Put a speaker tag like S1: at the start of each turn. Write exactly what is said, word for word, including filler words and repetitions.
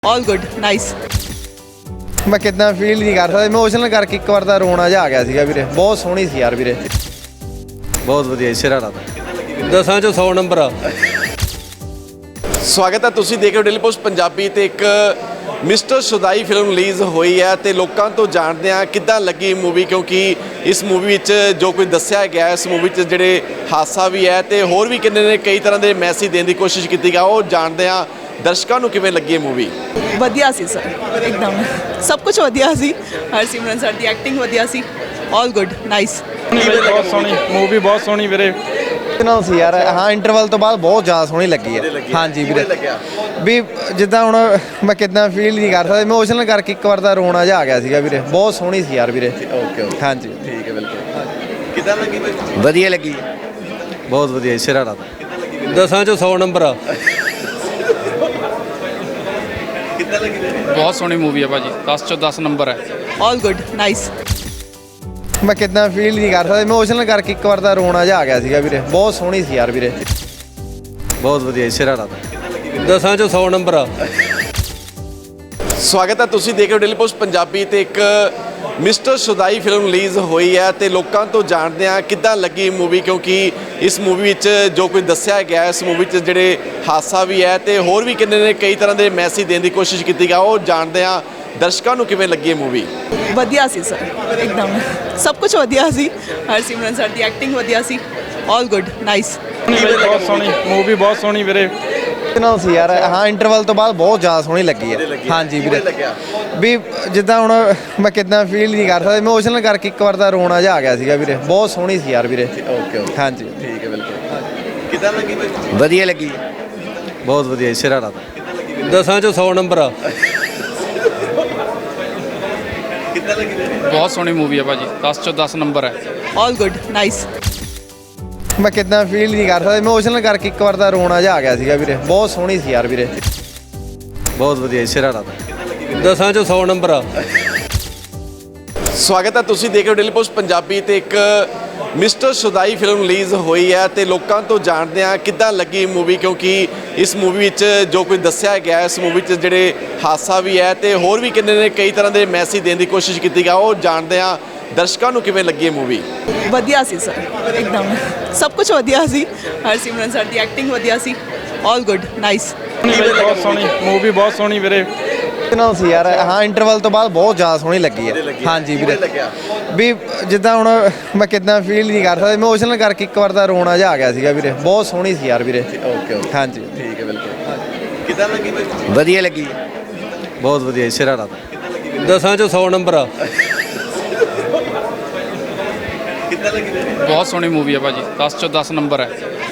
S1: All good nice.
S2: मैं कितना feel नहीं कर सकता इमोशनल करके एक बार रोना जा आ गया ਸੀਗਾ ਵੀਰੇ ਬਹੁਤ ਸੋਹਣੀ ਸੀ ਯਾਰ ਵੀਰੇ
S3: ਬਹੁਤ ਵਧੀਆ ਸਿਰਾ ਰਾਤਾ ਦਸਾਂ ਚੋਂ ਸੌ ਨੰਬਰ ਆ।
S4: ਸਵਾਗਤ ਹੈ, ਤੁਸੀਂ ਦੇਖ ਰਹੇ ਹੋ ਡੇਲੀ ਪੋਸਟ ਪੰਜਾਬੀ ਤੇ ਇੱਕ ਮਿਸਟਰ ਸ਼ੁਦਾਈ ਫਿਲਮ ਰਿਲੀਜ਼ ਹੋਈ ਹੈ ਤੇ ਲੋਕਾਂ ਤੋਂ ਜਾਣਦੇ ਆ ਕਿੱਦਾਂ ਲੱਗੀ ਮੂਵੀ, ਕਿਉਂਕਿ ਇਸ ਮੂਵੀ ਵਿੱਚ ਜੋ ਕੁਝ ਦੱਸਿਆ ਗਿਆ ਇਸ ਮੂਵੀ 'ਚ ਜਿਹੜੇ ਹਾਸਾ ਵੀ ਹੈ ਤੇ ਹੋਰ ਵੀ ਕਿੰਨੇ ਨੇ ਕਈ ਤਰ੍ਹਾਂ ਦੇ ਮੈਸੇਜ ਦੇਣ ਦੀ ਕੋਸ਼ਿਸ਼ ਕੀਤੀ ਗਿਆ, ਉਹ ਜਾਣਦੇ ਆ ਦਰਸ਼ਕਾਂ ਨੂੰ ਕਿਵੇਂ ਲੱਗੀ ਇਹ ਮੂਵੀ।
S1: ਵਧੀਆ ਸੀ ਸਰ, ਇੱਕਦਮ ਸਭ ਕੁਝ ਵਧੀਆ ਸੀ। ਹਰਸਿਮਰਨ ਸਰ ਦੀ ਐਕਟਿੰਗ ਵਧੀਆ ਸੀ। ਆਲ ਗੁੱਡ ਨਾਈਸ।
S5: ਬਹੁਤ ਸੋਹਣੀ ਮੂਵੀ, ਬਹੁਤ ਸੋਹਣੀ ਵੀਰੇ।
S2: ਨਾਲ ਸੀ ਯਾਰ। ਹਾਂ ਇੰਟਰਵਲ ਤੋਂ ਬਾਅਦ ਬਹੁਤ ਜ਼ਿਆਦਾ ਸੋਹਣੀ ਲੱਗੀ ਹੈ। ਹਾਂਜੀ ਵੀਰੇ ਵੀ ਜਿੱਦਾਂ ਹੁਣ ਮੈਂ ਕਿੱਦਾਂ ਫੀਲ ਨਹੀਂ ਕਰ ਸਕਦਾ ਇਮੋਸ਼ਨਲ ਕਰਕੇ ਇੱਕ ਵਾਰ ਦਾ ਰੋਣਾ ਜਾ ਆ ਗਿਆ ਸੀਗਾ ਵੀਰੇ ਬਹੁਤ ਸੋਹਣੀ ਸੀ ਯਾਰ ਵੀਰੇ।
S4: ਓਕੇ ਓਕੇ
S2: ਹਾਂਜੀ
S4: ਠੀਕ ਹੈ, ਬਿਲਕੁਲ। ਕਿੱਦਾਂ ਲੱਗੀ ਬਾਈ?
S2: ਵਧੀਆ ਲੱਗੀ।
S3: ਬਹੁਤ ਵਧੀਆ ਸਿਰਾ ਰਾਤਾ ਦਸਾਂ ਚੋਂ ਸੌ ਨੰਬਰ ਆ।
S4: ਕਿੱਦਾਂ ਲੱਗੀ ਬਾਈ?
S5: ਬਹੁਤ ਸੋਹਣੀ ਮੂਵੀ ਹੈ ਭਾਜੀ, ਦਸ ਚੋਂ ਦਸ ਨੰਬਰ ਹੈ।
S1: All good nice.
S2: ਮੈਂ ਕਿੱਦਾਂ ਫੀਲ ਨਹੀਂ ਕਰ ਸਕਦਾ ਇਮੋਸ਼ਨਲ ਕਰਕੇ ਇੱਕ ਵਾਰ ਦਾ ਰੋਣਾ ਜਾ ਆ ਗਿਆ ਸੀਗਾ ਵੀਰੇ ਬਹੁਤ ਸੋਹਣੀ ਸੀ ਯਾਰ ਵੀਰੇ।
S3: ਬਹੁਤ ਵਧੀਆ ਸਿਰਾ ਰਾਤਾ ਦਸਾਂ ਚੋਂ ਸੌ ਨੰਬਰ ਆ।
S4: ਸਵਾਗਤ ਹੈ, ਤੁਸੀਂ ਦੇਖ ਰਹੇ ਹੋ ਡੇਲੀ ਪੋਸਟ ਪੰਜਾਬੀ ਤੇ ਇੱਕ ਮਿਸਟਰ ਸ਼ੁਦਾਈ ਫਿਲਮ ਰਿਲੀਜ਼ ਹੋਈ ਹੈ ਤੇ ਲੋਕਾਂ ਤੋਂ ਜਾਣਦੇ ਆ ਕਿੱਦਾਂ ਲੱਗੀ ਮੂਵੀ, ਕਿਉਂਕਿ ਇਸ ਮੂਵੀ ਵਿੱਚ ਜੋ ਕੁਝ ਦੱਸਿਆ ਗਿਆ ਇਸ ਮੂਵੀ 'ਚ ਜਿਹੜੇ ਹਾਸਾ ਵੀ ਹੈ ਤੇ ਹੋਰ ਵੀ ਕਿੰਨੇ ਨੇ ਕਈ ਤਰ੍ਹਾਂ ਦੇ ਮੈਸੇਜ ਦੇਣ ਦੀ ਕੋਸ਼ਿਸ਼ ਕੀਤੀ ਗਿਆ, ਉਹ ਜਾਣਦੇ ਆ ਦਰਸ਼ਕਾਂ ਨੂੰ ਕਿਵੇਂ ਲੱਗੀ ਇਹ ਮੂਵੀ।
S1: ਵਧੀਆ ਸੀ ਸਰ, ਇੱਕਦਮ ਸਭ ਕੁਝ ਵਧੀਆ ਸੀ। ਹਰਸਿਮਰਨ ਸਰ ਦੀ ਐਕਟਿੰਗ ਵਧੀਆ ਸੀ। ਆਲ ਗੁੱਡ ਨਾਈਸ।
S5: ਬਹੁਤ ਸੋਹਣੀ ਮੂਵੀ, ਬਹੁਤ ਸੋਹਣੀ ਵੀਰੇ।
S2: ਨਾਲ ਸੀ ਯਾਰ। ਹਾਂ ਇੰਟਰਵਲ ਤੋਂ ਬਾਅਦ ਬਹੁਤ ਜ਼ਿਆਦਾ ਸੋਹਣੀ ਲੱਗੀ ਹੈ। ਹਾਂਜੀ ਵੀਰੇ ਵੀ ਜਿੱਦਾਂ ਹੁਣ ਮੈਂ ਕਿੱਦਾਂ ਫੀਲ ਨਹੀਂ ਕਰ ਸਕਦਾ ਇਮੋਸ਼ਨਲ ਕਰਕੇ ਇੱਕ ਵਾਰ ਦਾ ਰੋਣਾ ਜਾ ਆ ਗਿਆ ਸੀਗਾ ਵੀਰੇ ਬਹੁਤ ਸੋਹਣੀ ਸੀ ਯਾਰ ਵੀਰੇ।
S4: ਓਕੇ ਓਕੇ
S2: ਹਾਂਜੀ
S4: ਠੀਕ ਹੈ, ਬਿਲਕੁਲ। ਕਿੱਦਾਂ ਲੱਗੀ ਬਾਈ?
S2: ਵਧੀਆ ਲੱਗੀ।
S3: ਬਹੁਤ ਵਧੀਆ ਸਿਰਾ ਰਾਤਾ ਦਸਾਂ ਚੋਂ ਸੌ ਨੰਬਰ ਆ।
S4: ਕਿੱਦਾਂ ਲੱਗੀ ਬਾਈ?
S5: ਬਹੁਤ ਸੋਹਣੀ ਮੂਵੀ ਹੈ ਭਾਜੀ, ਦਸ ਚੋਂ ਦਸ ਨੰਬਰ ਹੈ।
S1: All good nice.
S2: ਮੈਂ ਕਿੱਦਾਂ ਫੀਲ ਨਹੀਂ ਕਰ ਸਕਦਾ ਇਮੋਸ਼ਨਲ ਕਰਕੇ ਇੱਕ ਵਾਰ ਦਾ ਰੋਣਾ ਜਾ ਆ ਗਿਆ ਸੀਗਾ ਵੀਰੇ ਬਹੁਤ ਸੋਹਣੀ ਸੀ ਯਾਰ ਵੀਰੇ।
S3: ਬਹੁਤ ਵਧੀਆ ਸਿਰਾ ਰਾਤਾ ਦਸਾਂ ਚੋਂ ਸੌ ਨੰਬਰ ਆ।
S4: ਸਵਾਗਤ ਹੈ, ਤੁਸੀਂ ਦੇਖ ਰਹੇ ਹੋ ਡੇਲੀ ਪੋਸਟ ਪੰਜਾਬੀ ਤੇ ਇੱਕ ਮਿਸਟਰ ਸ਼ੁਦਾਈ ਫਿਲਮ ਰਿਲੀਜ਼ ਹੋਈ ਹੈ ਤੇ ਲੋਕਾਂ ਤੋਂ ਜਾਣਦੇ ਆ ਕਿੱਦਾਂ ਲੱਗੀ ਮੂਵੀ, ਕਿਉਂਕਿ ਇਸ ਮੂਵੀ ਵਿੱਚ ਜੋ ਕੁਝ ਦੱਸਿਆ ਗਿਆ ਇਸ ਮੂਵੀ 'ਚ ਜਿਹੜੇ ਹਾਸਾ ਵੀ ਹੈ ਤੇ ਹੋਰ ਵੀ ਕਿੰਨੇ ਨੇ ਕਈ ਤਰ੍ਹਾਂ ਦੇ ਮੈਸੇਜ ਦੇਣ ਦੀ ਕੋਸ਼ਿਸ਼ ਕੀਤੀ ਗਿਆ, ਉਹ ਜਾਣਦੇ ਆ ਦਰਸ਼ਕਾਂ ਨੂੰ ਕਿਵੇਂ ਲੱਗੀ ਇਹ ਮੂਵੀ।
S1: ਵਧੀਆ ਸੀ ਸਰ, ਇੱਕਦਮ ਸਭ ਕੁਝ ਵਧੀਆ ਸੀ। ਹਰਸਿਮਰਨ ਸਰ ਦੀ ਐਕਟਿੰਗ ਵਧੀਆ ਸੀ। ਆਲ ਗੁੱਡ ਨਾਈਸ।
S5: ਬਹੁਤ ਸੋਹਣੀ ਮੂਵੀ, ਬਹੁਤ ਸੋਹਣੀ ਵੀਰੇ।
S2: ਨਾਲ ਸੀ ਯਾਰ। ਹਾਂ ਇੰਟਰਵਲ ਤੋਂ ਬਾਅਦ ਬਹੁਤ ਜ਼ਿਆਦਾ ਸੋਹਣੀ ਲੱਗੀ ਹੈ। ਹਾਂਜੀ ਵੀਰੇ ਵੀ ਜਿੱਦਾਂ ਹੁਣ ਮੈਂ ਕਿੱਦਾਂ ਫੀਲ ਨਹੀਂ ਕਰ ਸਕਦਾ ਇਮੋਸ਼ਨਲ ਕਰਕੇ ਇੱਕ ਵਾਰ ਦਾ ਰੋਣਾ ਜਾ ਆ ਗਿਆ ਸੀਗਾ ਵੀਰੇ ਬਹੁਤ ਸੋਹਣੀ ਸੀ ਯਾਰ ਵੀਰੇ।
S4: ਓਕੇ ਓਕੇ
S2: ਹਾਂਜੀ
S4: ਠੀਕ ਹੈ, ਬਿਲਕੁਲ। ਕਿੱਦਾਂ ਲੱਗੀ ਬਾਈ?
S2: ਵਧੀਆ ਲੱਗੀ।
S3: ਬਹੁਤ ਵਧੀਆ ਸਿਰਾ ਰਾਤਾ ਦਸਾਂ ਚੋਂ ਸੌ ਨੰਬਰ ਆ।
S4: ਕਿੱਦਾਂ ਲੱਗੀ ਬਾਈ?
S5: ਬਹੁਤ ਸੋਹਣੀ ਮੂਵੀ ਹੈ ਭਾਜੀ, ਦਸ ਚੋਂ ਦਸ ਨੰਬਰ ਹੈ।